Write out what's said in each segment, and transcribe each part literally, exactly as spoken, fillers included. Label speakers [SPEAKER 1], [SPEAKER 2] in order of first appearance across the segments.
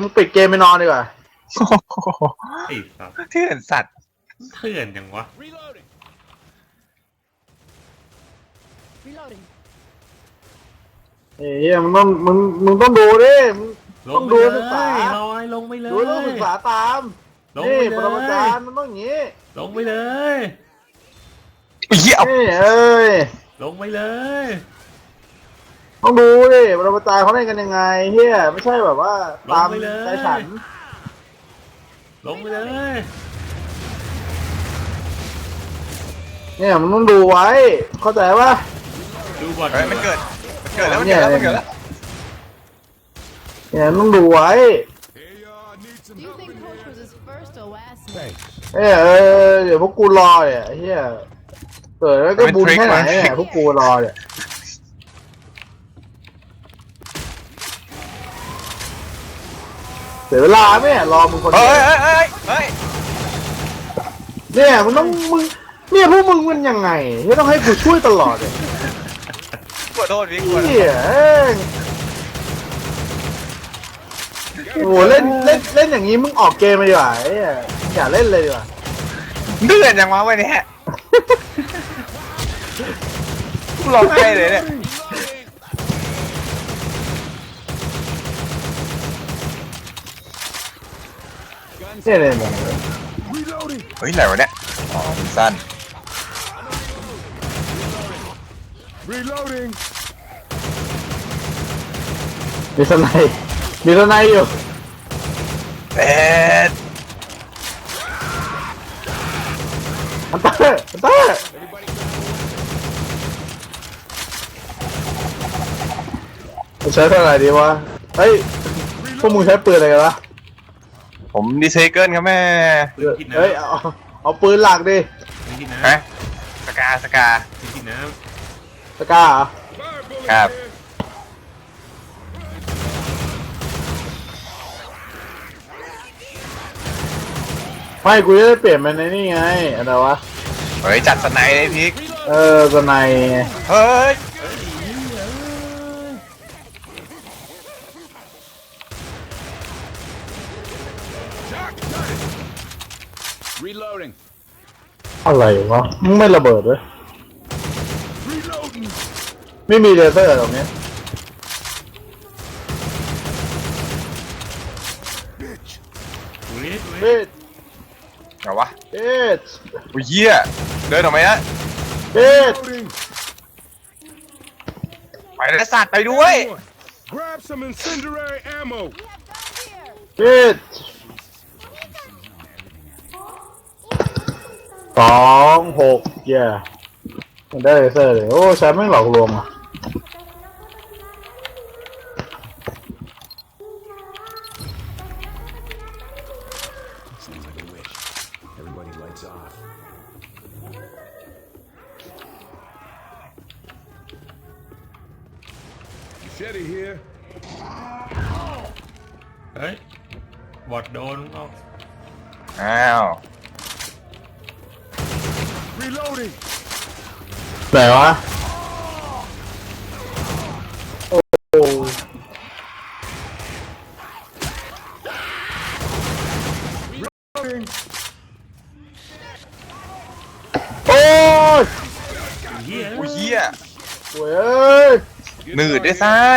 [SPEAKER 1] มึงปิดเกมไปนอนดีกว่า
[SPEAKER 2] ไอ้สัตว์
[SPEAKER 3] เถื่อนสัตว์
[SPEAKER 2] เถื่อนยังวะ
[SPEAKER 1] เฮ้ยมึงต้องมึงมึงต้องดูดิมึงต้องดูศึกษา
[SPEAKER 2] ลอยลงไปเลย
[SPEAKER 1] ดูต้องศึกษาตามนี่ปรมาจารย์มันต้องอย่างนี้
[SPEAKER 2] ลงไปเลย
[SPEAKER 3] เหี้ย
[SPEAKER 1] นี่เอ้ย
[SPEAKER 2] ลงไปเลย
[SPEAKER 1] ต้องดูดิปรมาจารย์เขาเล่นกันยังไงเฮียไม่ใช่แบบว่าตามใจฉัน
[SPEAKER 2] ลงไปเลย
[SPEAKER 1] เนี่ยมันต้องดูไว้เข้าใจปะ
[SPEAKER 2] ดูก่อน
[SPEAKER 3] มันเกิดมันเกิดแล้วมันเกิดแล้วมันเกิดแล้ว
[SPEAKER 1] เนี่ยต้องดูไว้เออเออเดี๋ยวพวกกูรอเนี่ยเฮียเกิดแล้วก็บุญแค่ไหนเนี่ยพวกกูรอเนี่ยเสียเวลาไหมรอมึงคนเดียว
[SPEAKER 3] เฮ้ยเฮ้ยเฮ้ย
[SPEAKER 1] เนี่ยมึงต้องมึงเนี่ยพวกมึงมันยังไงที่ต้องให้กูช่วยตลอดเลย
[SPEAKER 3] ขอโทษพี่ขอโทษ
[SPEAKER 1] โอ้เล่นเล่นเล่นอย่างนี้มึงออกเกมไปดีกว่าอย่าเล่นเลยดีกว่า
[SPEAKER 3] เดือดจังวะวันนี้ร้องไห้เลยเนี่ย
[SPEAKER 1] เนี่ยเลย
[SPEAKER 3] เฮ้ยไหนวะเนี่ยอ๋อมันสั้น
[SPEAKER 1] มีสไนมีสไนอยู่
[SPEAKER 3] เป็ด
[SPEAKER 1] อันเตอร์อันเตอร์ใช้เท่าไหร่ดีวะเฮ้ยพวกมึงใช้ปืนอะไรกันวะ
[SPEAKER 3] ผมดีเซเกิลครับแม่
[SPEAKER 1] เฮ้ยเอาเอาปืนหลักดิ
[SPEAKER 3] ฮะสกาสกา
[SPEAKER 2] กินน้
[SPEAKER 1] ำสกาเหรอ
[SPEAKER 3] ครับ
[SPEAKER 1] ไม่กูจะได้เปลี่ยนมันในนี่ไงอะไรวะ
[SPEAKER 3] เฮ้ยจัดสไนเลยพิก
[SPEAKER 1] เออสไน
[SPEAKER 3] เฮ้ย
[SPEAKER 1] อะไรวะมึงไม่ระเบิดเลยไม่มีเลเซอร์ตรงนี้เบ็ด
[SPEAKER 3] เหรอวะ
[SPEAKER 1] เบ็ด
[SPEAKER 3] โอ้ยเหี้ยเดินออกมานะ
[SPEAKER 1] เบ็ด
[SPEAKER 3] ไปแล้วสัตว์ไปด้วย
[SPEAKER 1] เบ็ดสองหกเย่มันได้เลเซอร์เลยโอ้ใช้ไม่หลอกลวงอ่ะ
[SPEAKER 2] เฮ้ยบอดโดนเอา
[SPEAKER 3] อ้าว
[SPEAKER 1] ไหนวะโอ้โอ้ย
[SPEAKER 2] เฮีย
[SPEAKER 3] โอ้ยเหี้ย
[SPEAKER 1] โว้ย
[SPEAKER 3] หนืดด้วยซัด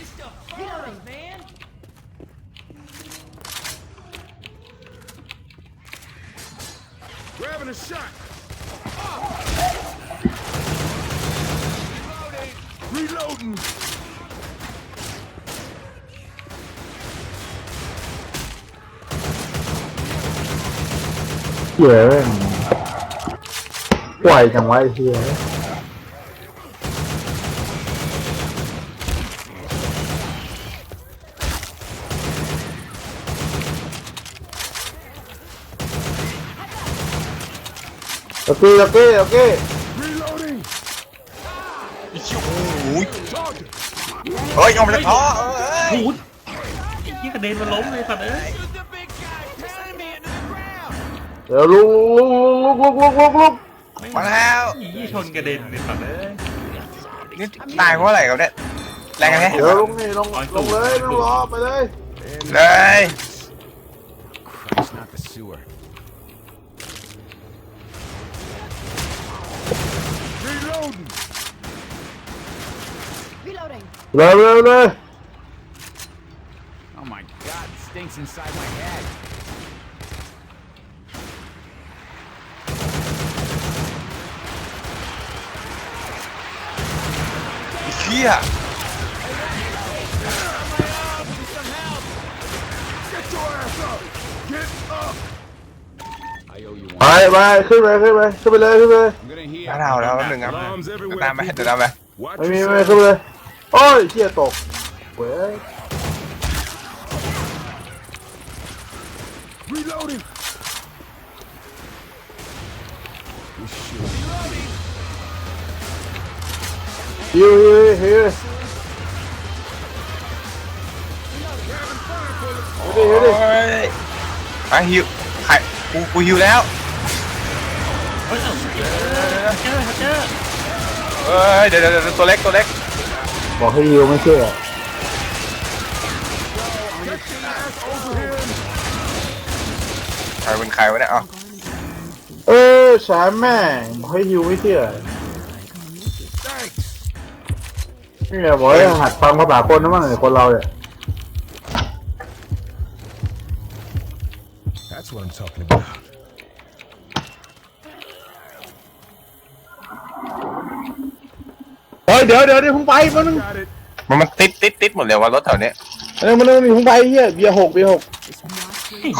[SPEAKER 1] เหี้ยไหวจังวะไอ้เหี้ยโอเคโอเคโอเค
[SPEAKER 3] เฮ้ยเอาไปเลยอ๋อเอ้ย
[SPEAKER 2] ไอ้ยี่กระเด็นมาล้มเลยสัตว์เอ้ย
[SPEAKER 1] เดี๋ยวลุกลุกลุกลุกลุกลุก
[SPEAKER 3] มาแล้ว
[SPEAKER 2] ยี่ชนกระเด็นเลยสัตว์เอ้ย
[SPEAKER 3] นี่ตายเพราะอะไรครับเนี่ยแรงไง
[SPEAKER 1] เดี๋ยวลงนี่ลงลงเลยลงรอไปเลย
[SPEAKER 3] เลย
[SPEAKER 4] Christ, not the sewer. Reloading.
[SPEAKER 5] Reloading.
[SPEAKER 1] เร็วเร็วเลย
[SPEAKER 4] Oh my God, it stinks inside my head.
[SPEAKER 3] เฮีย
[SPEAKER 4] I owe you
[SPEAKER 1] ไป
[SPEAKER 4] one.
[SPEAKER 1] ไปขึ้นไปขึ้นไปขึ้นไปเลยขึ้นไปเลย
[SPEAKER 4] I'm gonna heal.
[SPEAKER 3] น้าเราแล้วแป๊บนึงครับ
[SPEAKER 4] Alarms
[SPEAKER 3] เดี๋ยว
[SPEAKER 4] everywhere.
[SPEAKER 3] ตามไป
[SPEAKER 4] people.
[SPEAKER 3] เดี๋ยวตามไป
[SPEAKER 4] Watch
[SPEAKER 1] ไม่มี
[SPEAKER 4] yourself.
[SPEAKER 1] ไม่ขึ้นไปเลยโอ้ยเชี่ยตกเว้ย
[SPEAKER 4] Reloading. This shit.
[SPEAKER 1] ฮิวฮิวฮิวฮิวดิฮิวดิ
[SPEAKER 3] โอ้ยไปฮิวใครกูกูฮิวแล้ว
[SPEAKER 2] เฮ้ยเจอเจอเจอ
[SPEAKER 3] เอ้ยเดี๋ยวเดี๋ยวเดี๋ยวตัวเล็กตัวเล็ก
[SPEAKER 1] บอกให้ฮิวไม่เชื่อ
[SPEAKER 3] ใครเป็นใครวะเนี่ยอ๋อ
[SPEAKER 1] เออแชมป์แม่งบอกให้ฮิวไม่เชื่อนี่ไงบอกให้หัดฟังภาษาคนนะมั้งไอ้คนเราเนี่ย
[SPEAKER 4] That's what I'm talking about.
[SPEAKER 1] เฮ้ยเดี๋ยวเดี๋ยวเดี๋ยวพุ่งไปมันนึง
[SPEAKER 4] Got it.
[SPEAKER 3] มันมันติดติดติดหมดเลยว่ารถแถวเนี้ย
[SPEAKER 1] เออมันนึงพุ่งไปเฮียเบียร์หกเบียร์หก
[SPEAKER 3] โอ้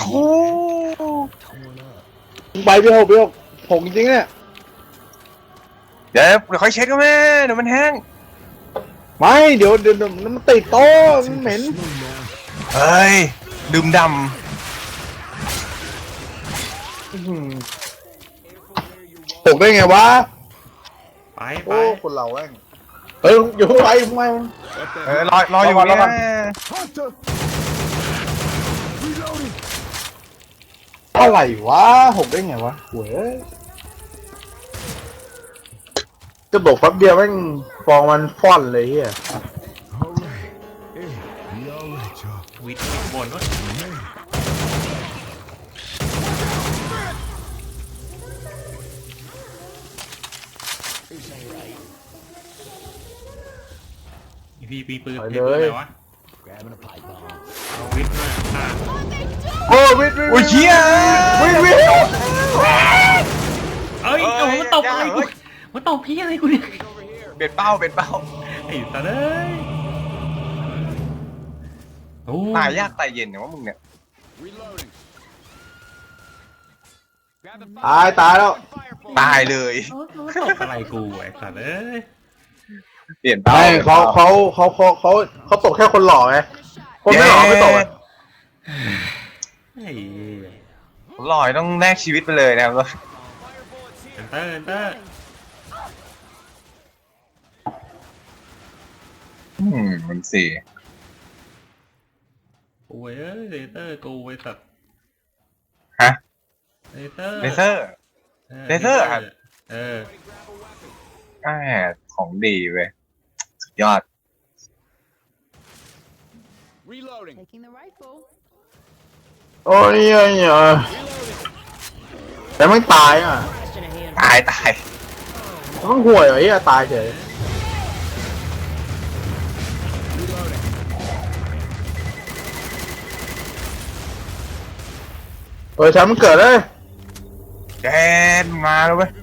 [SPEAKER 1] พุ่งไปเบียร์หกเบียร์หกหกจริงๆเนี่ย
[SPEAKER 3] เดี๋ยวเดี๋ยวค่อยเช็ดก็แม่เดี๋ยวมันแห้ง
[SPEAKER 1] ไม่เดี๋ยวเดี๋ยวเดี๋ยวมันติดโต๊ะมันเหม็น
[SPEAKER 3] เฮ้ยดื่มด
[SPEAKER 1] หกได้ไงวะ
[SPEAKER 2] ไปไป
[SPEAKER 1] โอ้คนเราแม่งเฮ้ยอยู่พุ่งไปพุ่งไป
[SPEAKER 3] ำเออรอรออยู่เนี่ย
[SPEAKER 4] Hunter. Reloading.
[SPEAKER 1] อะไรวะหกได้ไงวะเว้ยจะบอกแป๊บเดียวแม่งฟองมันฟ่อนเลยเฮีย
[SPEAKER 4] All right. Hey, we all right, y'all.
[SPEAKER 2] วิทย์วิทย์บนวะอีพีปีปืนเพชรอะไรวะ
[SPEAKER 4] Grabbing a pipe bomb.
[SPEAKER 2] เอาวิทย์มาฆ่า
[SPEAKER 1] โอ้วิทวิท
[SPEAKER 3] โอ้ยเฮีย
[SPEAKER 1] วิทวิท
[SPEAKER 2] เอ้ยโอ้โหมันตบอะไรกูมันตบพี่อะไรกูเนี่ย
[SPEAKER 3] เบ็ดเป้าเบ็ดเป้า
[SPEAKER 2] ไอ้สัตว์เอ้ยโอ้
[SPEAKER 3] ตายยากตายเย็นเนี่ยว่ามึงเนี่ย
[SPEAKER 4] Reloading. Grab the
[SPEAKER 1] ตายตายแล้ว
[SPEAKER 3] ตายเลย
[SPEAKER 2] โอ้โหมันตบอะไรกูไอ้สัตว์เอ้ย
[SPEAKER 3] เปลี่ยนเป้า
[SPEAKER 1] ไม่เขาเขาเขาเขาเขาเขาตกแค่คนหล่อไงคนไม่หล่อไม่ตกอะ
[SPEAKER 2] ไอ้
[SPEAKER 3] ลอยต้องแลกชีวิตไปเลยนะครับ
[SPEAKER 2] เอนเตอร์เอนเตอร์
[SPEAKER 3] อืมมันสี่
[SPEAKER 2] โอ้ยเอ้ยเลเตอร์กูไอ้สัตว์
[SPEAKER 3] ฮะ
[SPEAKER 2] เลเตอร์
[SPEAKER 3] เลเซอร์ เลเซอร์ครับ
[SPEAKER 2] เออ
[SPEAKER 3] อ่าของดีเว้ยสุดยอด
[SPEAKER 4] Reloading.
[SPEAKER 5] Taking the rifle.
[SPEAKER 1] โอ้ยเอ้ยเอ้ยแต่ไม่ตายอ่ะ
[SPEAKER 5] Question at hand.
[SPEAKER 3] ตายตาย
[SPEAKER 1] ต้องห่วยเหรอเฮียตายเฉยเออแชมป์มันเกิดเลย
[SPEAKER 3] แกนมาแล้วเว้ย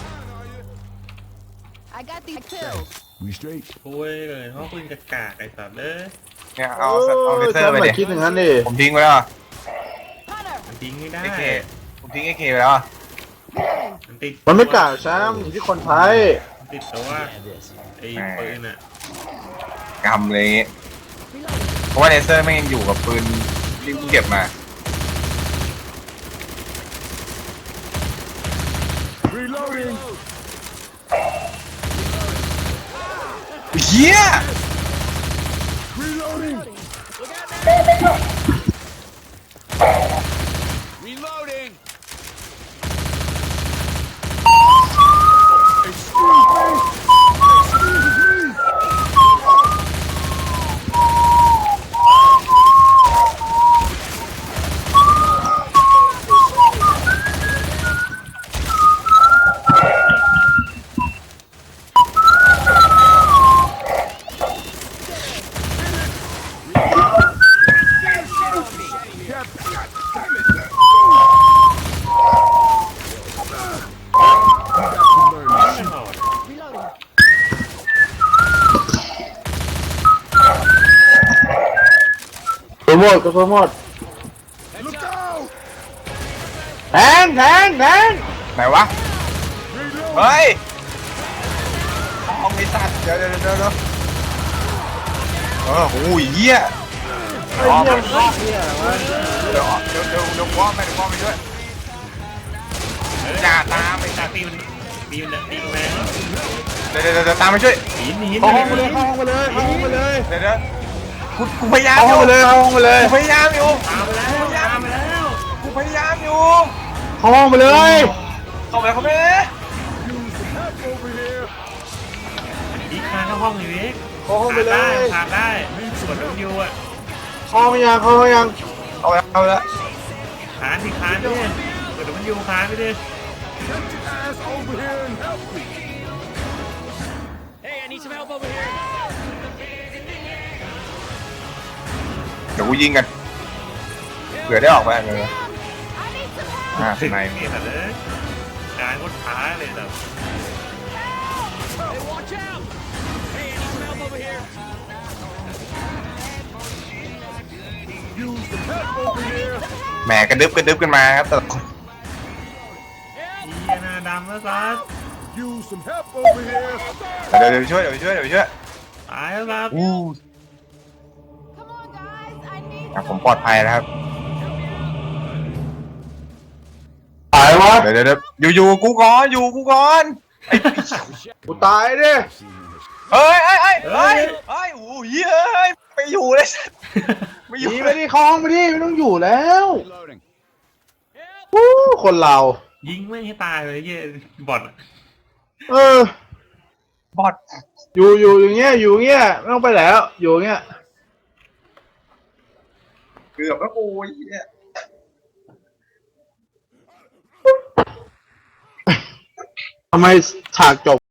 [SPEAKER 5] I got these pills.
[SPEAKER 4] We straight.
[SPEAKER 2] โอ้ยเลยเพราะปืนกระกากไอ้สัตว์เอ้ย
[SPEAKER 3] เนี่ยเอาเอาเลเซอร์ไป
[SPEAKER 1] แชมป์
[SPEAKER 3] ดิ
[SPEAKER 1] มาคิดอย่างนั้นดิ
[SPEAKER 3] ผมทิ้งไว้แล้ว
[SPEAKER 5] Hunter.
[SPEAKER 2] มันทิ้งไม่ได้
[SPEAKER 3] ไอเคผมทิ้งไอเคไปแล้ว
[SPEAKER 2] มันติด
[SPEAKER 1] มันไม่กล้าแชมป์อยู่ที่คนไทย
[SPEAKER 2] มันติดตัวไอ้ปืนอ่ะ
[SPEAKER 3] กำเลยอย่างงี้เพราะว่าเลเซอร์ไม่งยังอยู่กับปืนที่เพิ่งเก็บมา
[SPEAKER 4] Reloading.
[SPEAKER 3] เฮีย
[SPEAKER 4] Reloading. Reloading. Excuse me. Excuse me.
[SPEAKER 1] หมดกระสุนหมดแทงแทงแทง
[SPEAKER 3] ไหนวะเฮ้ยเอาไอ้สัตว์เดี๋ยวเดี๋ยวเดี๋ยวเดี๋ยวเออโอ้ยเหี้ย
[SPEAKER 1] ไอ้เหี้ยมันรอบเนี่ยวะ
[SPEAKER 3] เดี๋ยวเดี๋ยวเดี๋ยวเดี๋ยวว่าไปเดี๋ยวว่าไปด้วยอย่าตามไป
[SPEAKER 2] ตาตีมันตีมันตีมันแรง
[SPEAKER 3] เดี๋ยวเดี๋ยวเดี๋ยวตามไปช่วย
[SPEAKER 2] หินหิน
[SPEAKER 1] เข้าห้องไปเลยเข้าห้องไปเลยเข้าห้องไปเลย
[SPEAKER 3] เดี๋ยวเดี๋ยวกูกูพยายาม
[SPEAKER 1] เข้า
[SPEAKER 3] อ
[SPEAKER 1] ห้อง
[SPEAKER 3] ยู่
[SPEAKER 1] ไปเลยเข้าห้องไปเลย
[SPEAKER 3] กูพยายามอยู่
[SPEAKER 2] ตามไปแล้วตามไปแล้ว
[SPEAKER 3] กูพยายามอยู่
[SPEAKER 1] เข้าห้องไปเลย
[SPEAKER 3] เข้าไปเข้าไป
[SPEAKER 2] อีกคานเข้าห้องเลยเว้ย
[SPEAKER 1] เข้าห้องไปเลย
[SPEAKER 2] ผ่านได้ส่วนมันอยู่อ่ะ
[SPEAKER 1] เข้าห้องยังเข้าห้องยัง
[SPEAKER 3] เข้าไปเข้าไปแล้ว
[SPEAKER 2] คานที่คานไปดิเปิดมันอยู่คานไปดิ
[SPEAKER 4] Ass over here and help me.
[SPEAKER 6] Hey, I need some help over here.
[SPEAKER 3] เดี๋ยวกูยิงกันเผื่อได้ออกไปเลย
[SPEAKER 5] I need some help.
[SPEAKER 3] อ่า
[SPEAKER 2] ถึง
[SPEAKER 3] ไหน
[SPEAKER 2] นี่แต่เลยการกดขาเลยแบบ
[SPEAKER 6] Hey, watch out. Hey, I need some help over here.
[SPEAKER 4] Use some help over here.
[SPEAKER 3] แหมกระดึบกระดึบกันมาครับแต่ละคน
[SPEAKER 2] อีหน้าดำแล้วซัด
[SPEAKER 4] Use some help over here.
[SPEAKER 3] เดี๋ยวเดี๋ยวไปช่วยเดี๋ยวไปช่วยเดี๋ยวไปช่วย
[SPEAKER 2] ตายแล้วครับ
[SPEAKER 3] อู้
[SPEAKER 5] Come on, guys. I need
[SPEAKER 3] อ่ะ
[SPEAKER 5] some
[SPEAKER 3] ผมปลอดภัยแล้วครับ
[SPEAKER 1] ตายวะ
[SPEAKER 3] เดี๋ยวเดี๋ยวเดี๋ยวอยู่อยู่กูก่อนอยู่กูก่อนไอ้
[SPEAKER 1] กูตายดิ
[SPEAKER 3] เฮ้ยเฮ้ยเฮ้ยเฮ้ยเฮ้ยโอ้ยเฮ้ยไปอยู่เลยสัตว์ไม่อยู่
[SPEAKER 1] ดีไปดิเข้าห้องไปดิไม่ต้องอยู่แล้ว
[SPEAKER 4] Reloading.
[SPEAKER 1] วู้คนเรา
[SPEAKER 2] ยิงไม่ให้ตายเลยเยี่ยบอด
[SPEAKER 1] เออบ
[SPEAKER 3] อด
[SPEAKER 1] อยู่อยู่อย่างเงี้ยอยู่อย่างเงี้ยไม่ต้องไปแล้วอยู่อย่างเงี้ย
[SPEAKER 3] เกือบแล้วกูไอ้เหี้ย
[SPEAKER 1] ทำไมฉากจบ